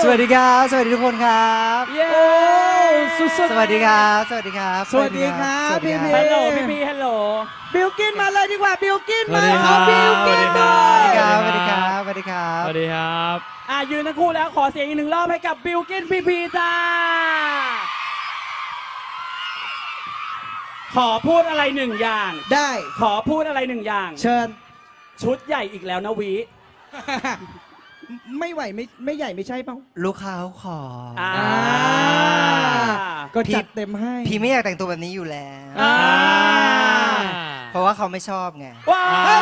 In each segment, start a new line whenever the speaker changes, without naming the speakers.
วัสดีครับสวัสดีทุกคนครับ
เย้สุดๆ
สวัสดีครับสวัสดีครับ
สวัสดีครับพี่
ฮัลโหลพี่ฮัลโหล
บิลกินมาเลยดีกว่าบิลกินมา
สวัสดีครับ
บิลกิน
สวั
มา
สดี
สวัสดีครับสวัสดีครับ
สวัสดีครับ
ยืนทั้งคู่แล้วขอเสียงอีกหนึ่งรอบให้กับบิลกินพีจ้าขอพูดอะไรหนึ่งอย่าง
ได้
ขอพูดอะไรหนึ่งอย่าง
เชิญ
ชุดใหญ่อีกแล้วนะวิ
ไม่ไหวไม่ใหญ่ไม่ใช่เปล่า
ลูกค้าเขาขอ
อ่า
ก็จัดเต็มให้
พี่ไม่อยากแต่งตัวแบบนี้อยู่แล้ว
อ่า
เพราะว่าเขาไม่ชอบไง
ว้าว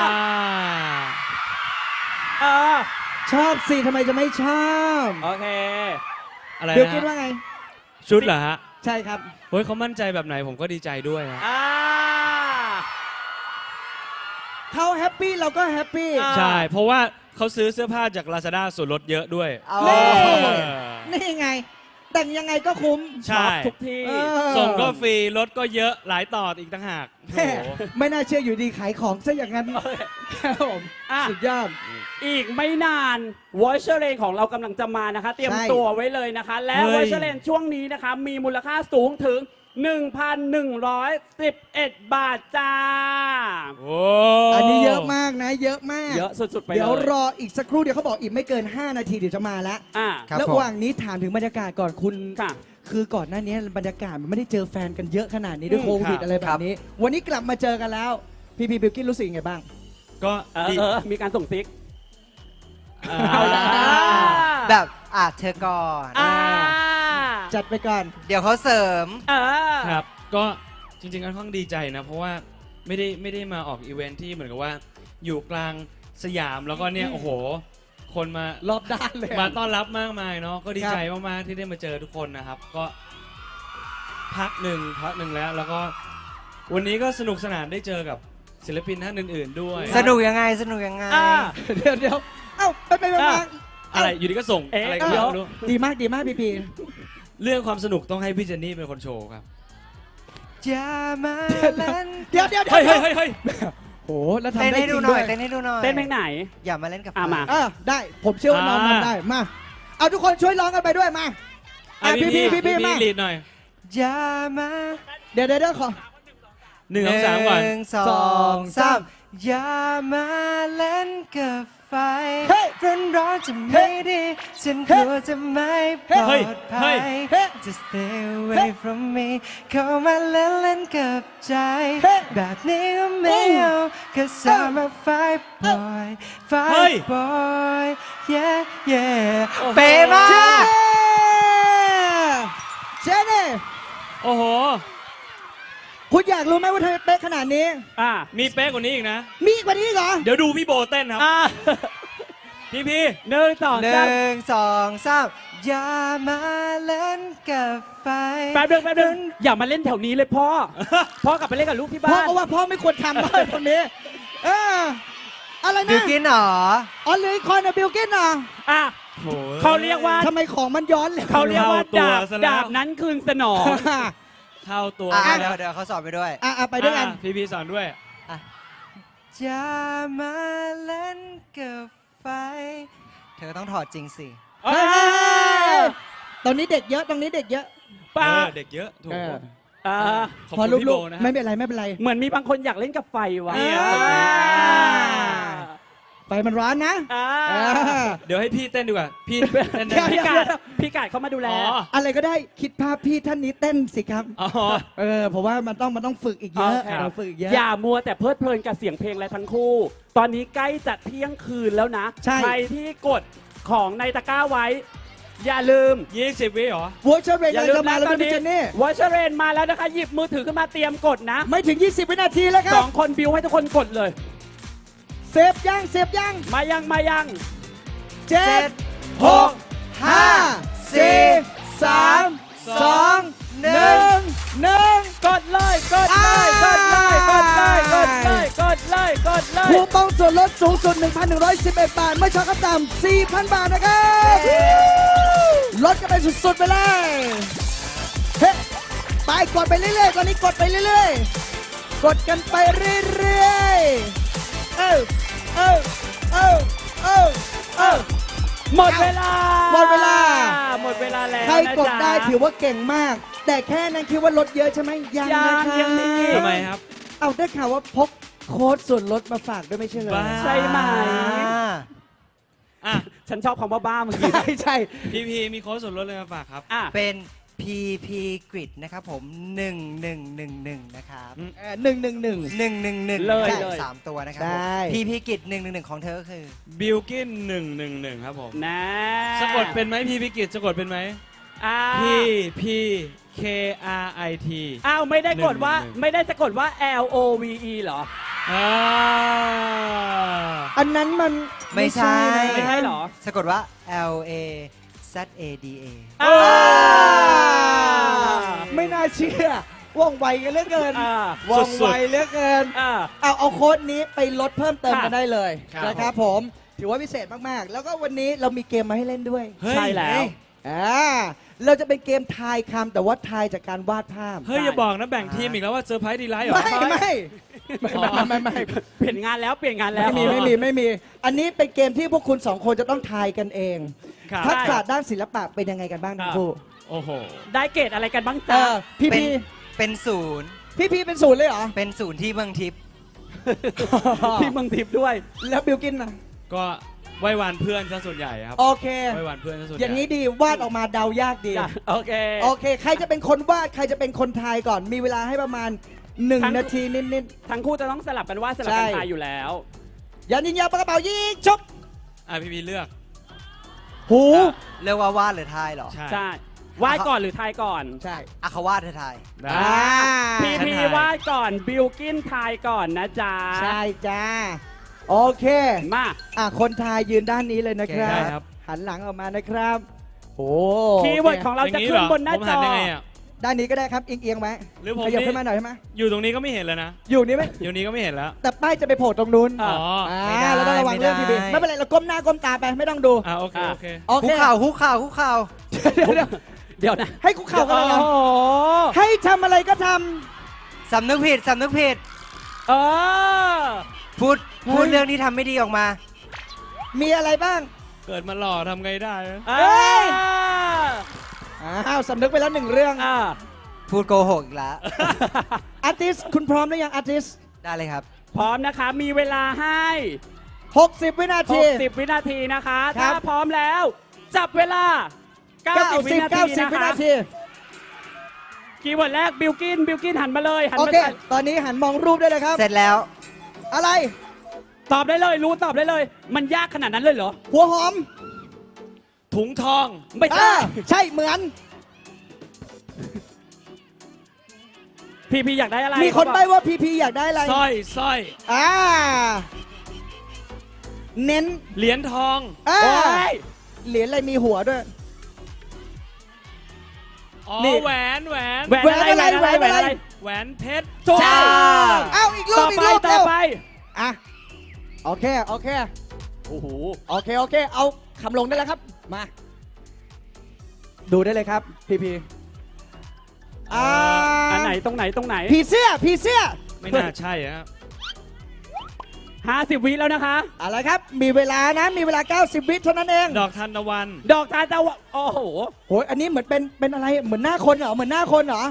เออ
ชอบสิทำไมจะไม่ชอบ
โอเค
อะไร
บิล
นะ
กินว่าไง
ชุดเหรอฮะ
ใช่ครับ
เฮ้ยเขามั่นใจแบบไหนผมก็ดีใจด้วยฮะ
อ่า
เขาแฮปปี้เราก็แฮปปี้
อ่า
ใช่ เพราะว่าเขาซื้อเสื้อผ้าจาก Lazada ส่วนลดเยอะด้วย
เอา
นี่
เออ
นี่ไง แต่งยังไงก็คุ้ม
ใช่
ชอบทุกที่
เออ
ส่งก็ฟรีรถก็เยอะหลายต่ออีกต่างหากโอ้
แม่
โห
ไม่น่าเชื่ออยู่ดีขายของซะอย่างนั้นครับผม
อ่ะ
สุดยอด
อีกไม่นานวอชเชอร์เลนของเรากำลังจะมานะคะ เตรียม
ใช่
ตัวไว้เลยนะคะ และ
เฮ้
วอย ชเชอร์เลนช่วงนี้นะคะ มีมูลค่าสูงถึง 1,111 บาทจ้า
โอ้
อันนี้เยอะมากนะ เยอะมาก
เยอะสุดๆไปเลย
เดี๋ยวรออีกสักครู่เดี๋ยวเขาบอกอีกไม่เกิน 5 นาทีเดี๋ยวจะมาแล้ว
อ่ะ
ครับ
แล้ว
ผม
ระหว่างนี้ถามถึงบรรยากาศก่อนคุณ
ค่ะ
คือก่อนหน้านี้บรรยากาศมันไม่ได้เจอแฟนกันเยอะขนาดนี้ด้วย
อืม
โควิดอะไรแบบนี้ วันนี้กลับมาเจอกันแล้ว พี่บิลกินรู้สึกยังไงบ้าง
ก็
เออ
ดี
มีการส่งซิก
เอาละ
แบบเธอก่อน
อ่า
จัดไปก่อน
เดี๋ยวเขาเสริม
เออ
ครับ ก็จริงๆค่อนข้างดีใจนะ เพราะว่าไม่ได้มาออกอีเวนท์ที่เหมือนกับว่า อยู่กลางสยามแล้วก็เนี่ย โอ้โห คนมาร
อบด้านเลย
มาต้อนรับมากมายเนาะ ก็ดีใจมากๆที่ได้มาเจอทุกคนนะครับ ก็พักหนึ่งแล้วก็วันนี้ก็สนุกสนานได้เจอกับศิลปินท่านอื่นๆด้วย
สนุกยังไงสนุกยังไง
อ่า
เดี๋ยวเอ้าไปมา
อ่ะ
อะไรอยู่ดีก็ส่ง
เอ๊ะ
อะไรก็
เดี๋ยว
ไม่รู้
ดีมากพี่
เรื่องความสนุกต้องให้พี่เจนนี่เป็นคนโชว์ครับ
อย่ามาเล่น
เดี๋ยว
เฮ้ยเฮ้ยเฮ้ยเฮ้ย
โหแล้ว
เต้น
ทำได้
ให้
จ
ดู
ริง
หน่
ด้
อ
วย ย
เต้นให้ดูหน่อย
เต้นเพลงไหน
อย่ามาเล่นกับ
มา
ได้ผมเชื่อว่าน้องทำได้มาเอาทุกคนช่วยร้องกันไปด้วยมา
อ่ะ
พี่มา
ลีดหน่อย
อย่ามา
เดี๋ยวขอ
หนึ่งสองสามก่อน
หนึ่งสองสามอย่ามาเล่นกับไฟ
เฮ้ย
ร้อนจะไม่ดีฉันกลัวจะไม่ปลอดภั
เฮ้
ย
ย
Just stay away from me เข้ามาเล่นกับใจ แบบนี้ก็ไม่เอา Cause I'm a fight boy
เฮ้ย
fight boy yeah yeah เป๊ะมาก
เจเน่
โอ้โห
คุณอยากรู้ไหมว่าเธอเป๊ะขนาดนี้
อ่า
มีเป๊ะกว่านี้อีกนะ
มีกว่านี้เหรอ
เดี๋ยวดูพี่โบเต้นครับ
อ่า
พี่
หนึ่งสอง
ห
สาม
นึ่งสองสามอย่ามาเล่นกับไฟ
แป๊บนึงอย่ามาเล่นแถวนี้เลยพ่อ พ่อกลับไปเล่นกับลูกที่
พ่อ
บ้าน
ก็ว่าพ่อไม่ควรทำเลยคนนี้เอออะไร
บิ
นะ
วกินเหรอ
อ๋อเหลยคอนนะบิลกินเหรอ
อ่ะ
โอ้โห
เขาเรียกว่า
ทำไมของมันย้อนเลย
เขาเรียกว่า
เข้าตัว
ดาบ
ซะแล้ว
ดาบนั้นคืนสนอง
เข้าตัว
เดี๋ยวเขาสอนไปด้วย
ไปด้วยกัน
พี่สอนด้วย
อย่ามาเล่นกับไฟ เธอต้องถอดจริงสิ
เฮ้ยตอนนี้เด็กเยอะตรงนี้เด็กเยอะ
ป้า
เด็กเยอะถูก
อ่า
ขอบ
พอ
คุณพี่
ลู
โบ
ก
นะ
ๆไม่เป็นไร
เหมือนมีบางคนอยากเล่นกับไฟวะ
นี่อ่ะ
ไฟมันร้อนนะ
อ่า
เดี๋ยวให้พี่เต้นดีกว่า พี่เต้นได้ไหม
เดี๋ยว
พี่กาดเข้ามาดูแล
อ๋อ
อะไรก็ได้คิดภาพพี่ท่านนี้เต้นสิครับ
อ๋อ
เพราะว่ามันต้องฝึกอีกเยอะ
โอเค
เราฝึกอีกเยอะ
อย่ามัวแต่เพลิดเพลินกับเสียงเพลงและทั้งคู่ ตอนนี้ใกล้จะเที่ยงคืนแล้วนะ
ใช่
ใครที่กดของในตะกร้าไว้ อย่าลืม
20 วิเหรอ
วอชเรนจะมาแล้วพี่เจนนี่
วอชเรนมาแล้วนะคะ หยิบมือถือขึ้นมาเตรียมกดนะ
ไม่ถึง 20 วินาทีแล้วค
ส
รับ
องคนบิวให้ทุกคนกดเลย
เซฟยัง
มายัง
7 6 5 4 3 2 1
กดเลยกดเลยกดเลยกดเลยกดเลยกดเลยกดเลย
คูปองส่วนลดสูงสุด 1,111 บาท ไม่ช็อปขั้นต่ำ 4,000 บาทนะครับลดกันไปสุดๆไปเลยเฮ้ไปกดไปเรื่อยๆตอนนี้กดไปเรื่อยๆกดกันไปเรื่อยๆ
หมดเวลา
หมดเวลาใครกดได้ถือว่าเก่งมาก แต่แค่นั้นคิดว่าลดเยอะใช่ไหมยังนะคะ
ยังมี
ทำไมครับ
เอาได้ข่าวว่าพกโค้ดส่วนลดมาฝากด้วยไม่ใช่เหรอ
บ้า
ใช่ไหม
อ่ะ
ฉันชอบคำว่าบ้าเมื่อกี้
ใช่ใช่
พีมีโค้ดส่วนลดเลยมาฝากครับ
อ่ะ
เป็น PP Grid นะครับผม 1111 นะครับ
111
111
เลย
ใช่
เลย
3 ตัวนะครับ
ใช่
ผม PP Grid 111 ของเธอก็คือ
บิลกิน111 ครับผม
นะ
สะกดเป็นไหมพีกิจสะกดเป็นไหม
อ่า
P K R I T
อ้าวไม่ได้กดว่า
111
ไม่ได้สะกดว่า L O V E เหรอ
อ่า
อันนั้นมัน
ไม่ใช่
นะ
ไม่ใช่เหรอ
สะกดว่า L A Z A D A
อ่า
ไม่น่าเชื่อว่องไวกันเหลือเกิน
อ่า
ว่องไวเหลือเกิน
อ่า
เอาโค้ดนี้ไปลดเพิ่มเติม
ค่ะ
กันได้เลย
ครับ
นะครับผมถือว่าพิเศษมากๆ แล้วก็วันนี้เรามีเกมมาให้เล่นด้วย
เฮ้ย
ใช่แล้ว
เราจะเป็นเกมทายคำแต่ว่าทายจากการวาดภาพ
เฮ้ย อย่าบอกนะแบ่งทีมอีกแล้วว่าเซอร์ไพรส์ดีไลท์เหรอ
ไม่
เปลี่ยนงานแล้วเปลี่ยนงานแล้ว
ไม่มี อันนี้เป็นเกมที่พวกคุณสองคนจะต้องทายกันเอง
ครับ
ทักษะด้านศิลปะเป็นยังไงกันบ้างทั้งคู่
โอ้โห
ได้เกรดอะไรกันบ้าง
เอ
จ๊ะ
อพี่
เป็น
พี
เป็นศูนย์
พี่เป็นศูนย์เลยเหรอ
เป็นศูนย์ที่เมืองทิพย์
ที่เมืองทิพย์ด้วย
แล้วบิลกินนะ
ก็ไหว้วานเพื่อนซะส่วนใหญ่ครับ
โอเค
ไหว้วานเพื่อนซะส่วนใหญ่
อย่างนี้ดีวาดออกมาเดายากดี
จ้ะโอเค
โอเค ใครจะเป็นคนวาด ใครจะเป็นคนทายก่อน มีเวลาให้ประมาณ
ทั้ง
1 นาทีนิด
ทั้งคู่จะต้องสลับกันว่าดสลับกัน
ใช่
ทายอยู่แล้ว
ๆยันยิงยาวปากกระเป๋ายิงชก
อ่ะพีเลือก
หู
เรียกว่าวาดหรือทายเหรอ
ใช่
ใช่วาดก่อนหรือทายก่อน
ใช่
อ่ะเขาวาดเธอทาย
ได้
พี
ฉัน
พี
ทาย
วาดก่อนบิลกินทายก่อนนะจ๊ะ
ใช่จ้า โอเค
มา
คนทายยืนด้านนี้เลยนะครั
ได้
บ
ครับ
หันหลังออกมานะครับ โอ้
คีย์เวิร์ดของเรา
อย่
จะ
งนี้
ขึ้
เหร
นบนหน้า
ผม
จ
หั
อ
ยังไงอ่ะ
ด้านนี้ก็ได้ครับ เอียงๆไหม
หรือผม
ขยับ
นี่
ขึ้นมาหน่อยใช่ไหม
อยู่ตรงนี้ก็ไม่เห็นแล้วนะ
อยู่นี่ไหม
อยู่นี้ก็ไม่เห็นแล้ว
แต่ป้ายจะไปโผล่ตรงนู้น
อ่ะ
อ๋อ
ไม่ได้
เราต้องระวังเรื่องทีวี
ไม่ได้
ไม่เป็นไร เราก้มหน้าก้มตาไปไม่ต้องดู
อ่ะโอเค โอเค
โอ
คุ
เค
กเข่าคุกเข่าคุกเข่า
เดี๋ยว
เดี๋ยวนะ
ให้คุกเข่ากันเลยเหรอ
โอ้โห
ให้ทำอะไรก็ท
สำนึกผิดสำนึกผิด
เออ
พูดเรื่องที่ทำไม่ดีออกมา
ำมีอะไรบ้าง
เกิดมาหล่อทำไงได้นะ
เอ้ย
อ้าวสำนึกไปแล้วหนึ่งเรื่อง
อ่า
พูดโกหกอีกแล้ว
อาร์ติสคุณพร้อมหรือยังอาร์ติส
ได้เลยครับ
พร้อมนะคะ มีเวลาให้
60 วินาที
60 วินาทีนะคะ
ครั
ถ้า
บ
พร้อมแล้ว จับเวลา 90 วินาที
90
นะ
วิ
คะ
นาที
คีย์เวิร์ดแรกบิลกินหันมาเลยหัน
โอ
มา
เค
ใส่
ตอนนี้หันมองรูปได้เลยครับ
เสร็จแล้ว
อะไร
ตอบได้เลยรู้ตอบได้เลย มันยากขนาดนั้นเลยเหรอ
หัวหอม
ถุงทอง
ไม่ใช่
ใช่เหมือน
พี่อยากได้อะไร
มีคนใบ้ว่าพีพีอยากได้อะไร
สร้อย
อ่า เน้น
เหรียญทอง
อ่า
โอ้ย
เหรียญอะไรมีหัวด้วย
อ๋อ
นี่
แหวน
แหวนอะไร
แหวนอะไร
แหวนเพชร
ถูก
ใช่
ต้อง
เอาอีกรู
ต่
ป
อ
อีก
ไป
รูป
ต่
เร็
อ
ว
ไป
อ่ะโอเค
โอ้โห
โอเค เอาคำลงได้แล้วครับ มา ดูได้เลยครับ พีพี
อันไหนตรงไหน
ผีเสื้อ
ไม่น่าใช่ครับ
50 วิแล้วนะคะ
อะไรครับ มีเวลานะ มีเวลา 90 วิเท่านั้นเอง
ดอกทานตะวัน
ดอกทานตะวันโอ้โห
โหยอันนี้เหมือนเป็นอะไร เหมือนหน้าคนเหรอ เหมือนหน้าคนเหรอ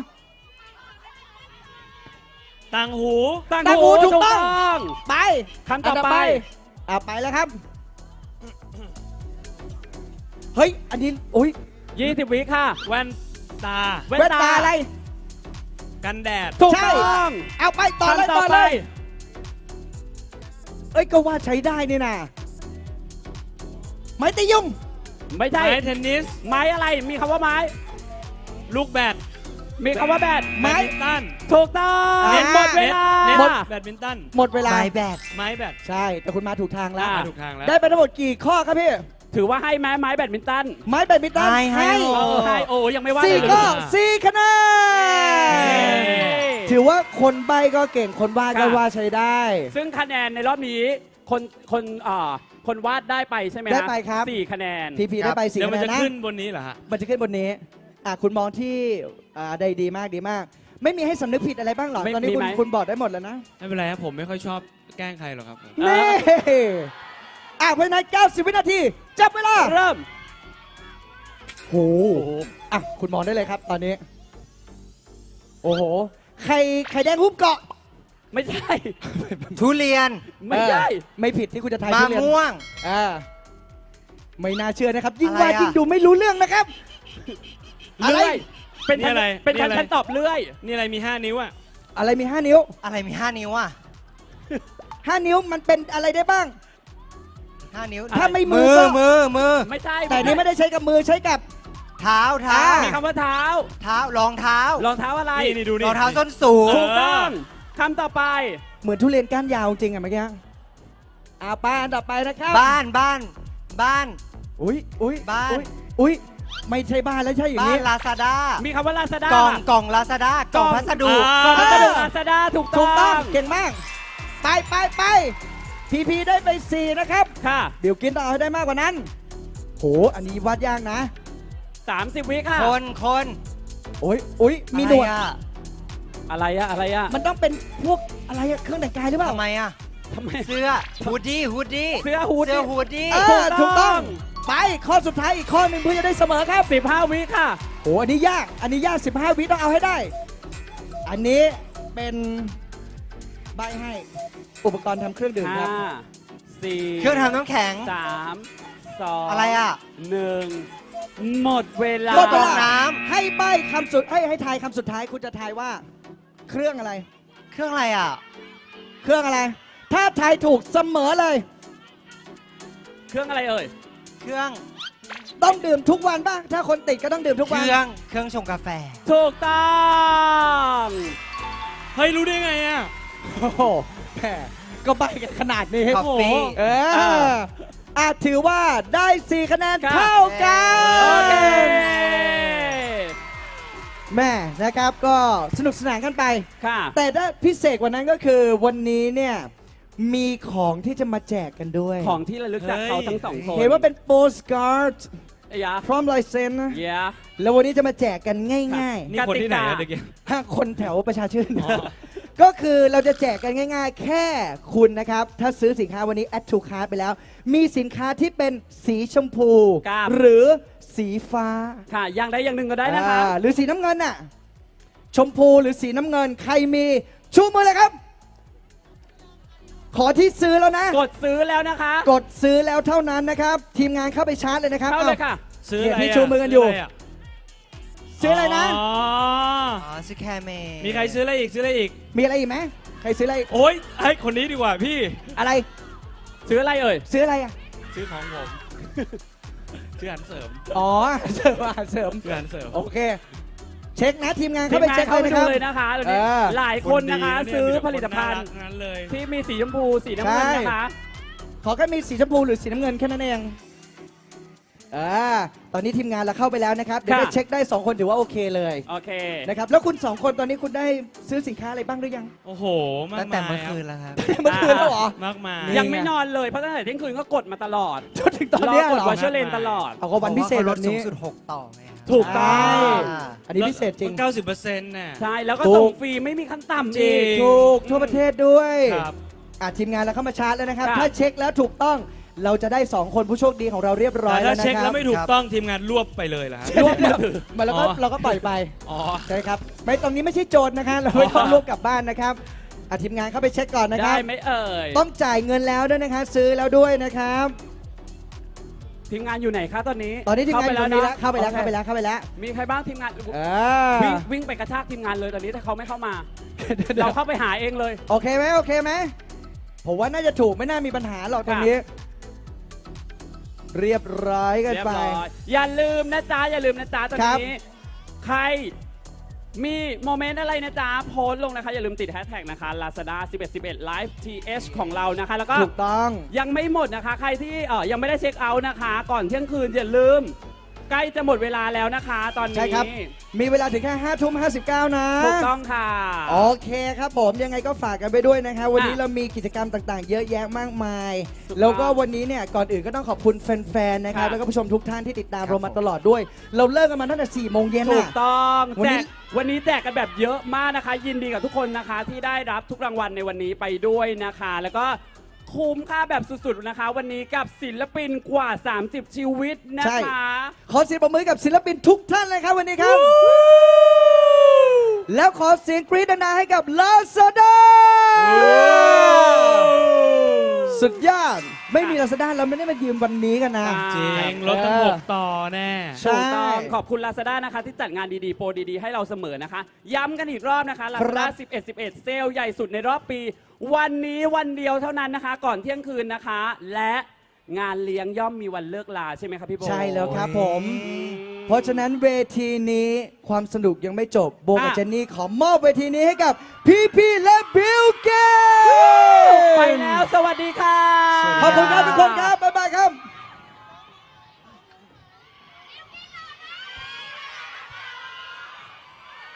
ต่างหู
ตั้ง
ตั้งหู
หู
ถูกต้อง
ง
ไป
คำต่อไป
ไปแล้วครับ เฮ้ย อันนี้โอ้ย
20 วิค่ะ
แว่นตา
แว่
แว่
น
น
ตา
ตาอะไร
กันแดด
ถูก
ใช่
ต้อง
เอาไปต่อเลย
คำ
ต่อ
ไป
เลย เอ้ย ก็ว่าใช้ได้นี่นะไม้ตียุ่ง
ไม่ใช่
ไม้เทนนิส
ไม้อะไร มีคำว่าไม้
ลูกแบด
มีคำว่าแบด
ไม้
แบดมินตัน
ถูกต้อง
อ่า
หมดเวลา
เน็ต
หมด
แบดมินตัน
หมดเวลา
ไม้แบด
ไม้แบด
ใช่ แต่คุณมาถูกทางแล้ว
อ่า
ถูกทางแล้ว
ได้ไปทั้งหมดกี่ข้อครับพี่
ถือว่าให้ไม้แบดมินตัน
ไม้แบดมินตัน
ให้
เออให้โอ้ยังไม่ว่า
สี่
เลย
ข้อ
เลย
สี่คะแนนถือว่าคนใบก็เก่ง คนวาดก็ว่าใช้ได้
ซึ่งคะแนนในรอบนี้คนวาดได้ไปใช่ไหมฮะ
ได้ไปครับ
4 คะแนน
พีพีได้ไปสี่
เดี๋ยว
คะ
มัน
แน
จะ
นนะ
ขึ้นบนนี้เหรอฮะ
มันจะขึ้นบนนี้ คุณมองที่ได้ดีมากดีมาก ไม่มีให้สำนึกผิดอะไรบ้างหรอ
ไม่
ตอนนี้
มีไหม
คุณบอกได้หมดแล้วนะ
ไม่เป็นไรครับ ผมไม่ค่อยชอบแกล้งใครหรอกครับผม
นี่เพราะฉะนั้น90 วินาที จับเวลา
เริ่ม
โหอ่ะคุณมองได้เลยครับตอนนี้ โอ้โหไข่แดงหุ้มเกาะ
ไม่ใช่
ทุเรียน
ไม่ใช่
ไม่ผิดที่คุณจะทาย
มะ
ทุเรียน
ม่วง
ไม่น่าเชื่อนะครับ ยิ่ง
อะไร
ว่า
อ่ะ
ยิ่งดูไม่รู้เรื่องนะครับ อะไร
เลื่อยเป็น
นี่อะไร
เป็น
นี่อะไร
ฉันตอบเลื่อย
นี่อะไรมี 5 นิ้วอ่ะ
อะไรมี 5 นิ้ว
อะไรมี 5 นิ้วอ่ะ
5 นิ้วมันเป็นอะไรได้บ้าง
5 นิ้ว
ถ้าไม่
มือ
ก็
มือ
ไม่ใช่
แต่นี่ไม่ได้ใช้กับมือใช้กับ
เท้า
มีคำว่าเท้า
เท้ารองเท้าร
องเท้าอะไร
นี่ดูนี่
รองเท้าส้นสูง
ถูกต้องคำต่อไป
เหมือนทุเรียนก้านยาวจริงอะเมื่อกี้ไปอันต่อไปนะครับ
บ้าน
อุ้ย
บ้าน
อุ้ยไม่ใช่บ้านแล้วใช่อย่าง
บ้าน
นี้
ลาซาด้า
มีคำว่าลาซาด้าก
ล่องลาซาด้ากล่องพัสดุ
กล่องพัสดุ
อ่า
ลาซาด้าถูก
ถู
ต้
ก
อ
ต้อง
ง
เก่งมาก ไปพีได้ไป 4 นะครับ
ค่ะ
เดี๋ยวกินต่อให้ได้มากกว่านั้นโหอันนี้วัดยากนะ
30 วิค่ะ
คน
อุ้ยมีหนวด
อะไรอะ
อะไรอะ
มันต้องเป็นพวกอะไรอะเครื่องแต่งกายหรือเปล่า
ทำไมอะ
ทำไม
เสื้อฮูดดี้
เสื้อฮูด
เสื้อฮูดดี้
ถูกต้อง ไปข้อสุดท้ายอีกข้อหนึ่งเพื่อจะได้เสมอครับ
15 วิค่ะ
โหอันนี้ยาก 15 วิต้องเอาให้ได้ อันนี้เป็นใบให้อุปกรณ์ทำเครื่องดื่มครับ
5 4
เครื่องทำน้ำแข็ง
3 2
อะไรอะ
1 หมดเวลา
หมดเว
กร
ลา
องน้
ให้ใบคำสุดให้ทายคำสุดท้ายคุณจะทายว่า เครื่องอะไร
เครื่องอะไรอะ
เครื่องอะไร ถ้าทายถูกเสมอเลย
เครื่องอะไรเอ่ย
เครื่อง
ต้องดื่มทุกวันป่ะ ถ้าคนติดก็ต้องดื่มทุก
เค
วัน
รื่องชงกาแฟ
ถูกต้อง
เฮ้ย รู้ได้ไงอ่ะ
โอ้โหแหมก็ใบกันขนาดนี้
คอฟฟี่
ถือว่าได้ 4 คะแนน
ครับ
เท่ากั
โอเค
นแม่นะครับก็สนุกสนานกันไป
ค่ะ
แต่ถ้าพิเศษกว่านั้นก็คือวันนี้เนี่ยมีของที่จะมาแจกกันด้วย
ของที่ระลึกจากเขาทั้งสองคน
เห็นว่าเป็นโปสการ์ด
ยา
พร้อมลายเซ็นนะ
เยา
แล้ววันนี้จะมาแจกกันง่าย
นี่คนที่ไหนอะ
กติกา
เด็กกี้
ๆถ้าคนแถวประชาชื่น
อ๋อ
ก็คือเราจะแจกกันง่ายๆ แค่คุณนะครับ ถ้าซื้อสินค้าวันนี้ add to cart ไปแล้ว มีสินค้าที่เป็นสีชมพู
ครับ
หรือสีฟ้า
ค่ะอย่างใดอย่างหนึ่งก็ได้นะคะ
หรือสีน้ำเงินน่ะ ชมพูหรือสีน้ำเงิน ใครมีชูมือเลยครับ ขอที่ซื้อแล้วนะ
กดซื้อแล้วนะคะ
กดซื้อแล้วเท่านั้นนะครับ ทีมงานเข้าไปชาร์จเลยนะครับ
เข้าเลยค่ะ
ซื้ออะไร
เนี่ยพี่ชูมือกันอยู่ ซื้ออะไรนะ
อ๋อ
อ๋อซิแคเม
มีใครซื้ออะไรอีก ซื้ออะไรอีก
มีอะไรอีกไหมใครซื้ออะไร
โอ๊ยให้คนนี้ดีกว่าพี่
อะไร
ซื้ออะไรเอ่ย
ซื้ออะไรอ่ะ
ซื้อของผม ซื้ออาหารเสริม
อ๋อ เสริมอาหารเสริม
ซื้ออาหารเสริม
โอเค เช็คนะทีมงาน
ที
เข้าม ไป
งาน
เช็ค
เข้า
เลย
ไป
นะค
ดู
รับ
เลยนะคะเดี๋ยวนี้ หลายคนนะคะ
ดี
ซื้อ
มีแต่
ผลิตภัณฑ์
คนน่ารักทั้งนั้นเลย
ที่มีสีชมพูสีน้ำเงินนะคะ
ขอแค่มีสีชมพูหรือสีน้ำเงินแค่นั้นเองตอนนี้ทีมงานเราเข้าไปแล้วนะครับ เดี๋ยวได้
ค่ะ
เช็คได้ 2 คนถือว่าโอเคเลย
โอเค
นะครับ แล้วคุณ 2 คนตอนนี้คุณได้ซื้อสินค้าอะไรบ้างหรือยัง
โอ้โห มาก
ตั้งแต่
มาย
เมื่อคืนแล้วครับ
เมื่อคืนแล้วเหรอ
มากมาย
นี่
ยังไม่นอนเลยเพราะตั้งแต่เที่ยงคืนก็กดมาตลอด
จนถึงตอนเนี้ย
ร
เห
กด
รอ
วอชเชอร์เลนตลอด
เอาก็วันพิเศษ
พราะาขาล
แบบ
ดสูง
นี้
สุด 6 ต่อไงครับ
ถูกต้อง
อันนี้พิเศษจริง
90%น่ะ
ใช่ แล้วก็
ถูก
ส่งฟรีไม่มีขั้นต่ำ
จริ
อี
ง
ก
ถูกทั่วประเทศด้วย
ครับ
ทีมงานเราเข้ามาชาร์จแล้วนะครับ
ครับ
ถ้าเช็คแล้วถูกต้องเราจะได้ 2 คนผู้โชคดีของเราเรียบร้อย
แต่
แล้
ถ้าว
นะ
เช็ค
ครั
แล้
บ
วไม่ถูกต้องทีมงานรวบไปเลยเหรอฮะ
รวบมือถือมาแล้วก็
อ๋อ
เราก็ปล่อยไป
อ๋อ
ใช่ครับไม่ตรงนี้ไม่ใช่โจรนะคะเราไม่ต้องรวบกลับบ้านนะครับทีมงานเข้าไปเช็คก่อนนะค
ได้
รับ
ไหมเอ่ย
ต้องจ่ายเงินแล้วด้วยนะคะซื้อแล้วด้วยนะครับ
ทีมงานอยู่ไหนคะตอนนี้
ตอนนี้ทีมงานอยู่ตรงนี้แล้วเข้าไปแล้ว
โอค
เข้าไปแล้วเข้าไปแล้ว
มีใครบ้างทีมงาน
อ่า
วิ่งไปกระชากทีมงานเลยตอนนี้ถ้าเขาไม่เข้ามา เราเข้าไปหาเองเลย
โอเคไหมโอเคไหมผมว่าน่าจะถูกไม่น่ามีปัญหาหรอกตรงนี้ เรียบร้อยกัน
เรียบ
ไป
ร้อยอย่าลืมนะจ๊ะอย่าลืมนะจ๊ะตอน
ครับ
นี้ใครมีโมเมนต์อะไรนะจ๊ะโพสต์ลงนะคะอย่าลืมติดแฮชแท็กนะคะ Lazada 1111 Live TH ของเรานะคะแล้วก็
ถูกต้อง
ยังไม่หมดนะคะ ใครที่ยังไม่ได้เช็คเอาท์นะคะ ก่อนเที่ยงคืนอย่าลืม ใกล้จะหมดเวลาแล้วนะคะ ตอน
ใช่
นี้
ครับ มีเวลาถึงแค่5:59 นะ
ถูกต้องค่ะ
โอเคครับผมยังไงก็ฝากกันไปด้วยนะครับวันนี้
อ่ะ
เรามีกิจกรรมต่างๆ เยอะแยะมากมาย
ถูกต้อง
แล้วก็วันนี้เนี่ยก่อนอื่นก็ต้องขอบคุณแฟนๆนะครับ
ค่ะ
แล้วก็ผู้ชมทุกท่านที่ติดตาม
ครับ
เรามาตลอดด้วย เราเลิกกันมาตั้งแต่4 โมงเย็น
ถู
น่ะ
กต้อง
วันนี้
วันนี้แจกกันแบบเยอะมากนะคะ ยินดีกับทุกคนนะคะ ที่ได้รับทุกรางวัลในวันนี้ไปด้วยนะคะ แล้วก็คุ้มค่าแบบสุดๆนะคะ วันนี้กับศิลปินกว่า 30 ชีวิตนะคะ
ขอเสียงปรบมือกับศิลปินทุกท่านเลยครับวันนี้ครับ แล้วขอเสียงกรี๊ดดังๆให้กับ Lazada สุดยอดไม่มี Lazada เราไม่ได้มายืมวันนี้กันนะ
จริงรถตั้ง6 ต่อแน่
ใช่
ถูกต้องขอบคุณ Lazada นะคะที่จัดงานดีๆ โปรดีๆ ให้เราเสมอนะคะ ย้ำกันอีกรอบนะคะ Lazada 11 เซลล์ใหญ่สุดในรอบปี วันนี้วันเดียวเท่านั้นนะคะ ก่อนเที่ยงคืนนะคะ และงานเลี้ยงย่อมมีวันเลิกลาใช่ไหมครับพี่โบ
ใช่แล้วครับผม เพราะฉะนั้นเวทีนี้ความสนุกยังไม่จบโบกับเจนนี่ขอมอบเวทีนี้ให้กับพี่ๆและบิลเกต
ไปแล้วสวัสดีค่ะ
ขอบคุณครับทุกคนครับ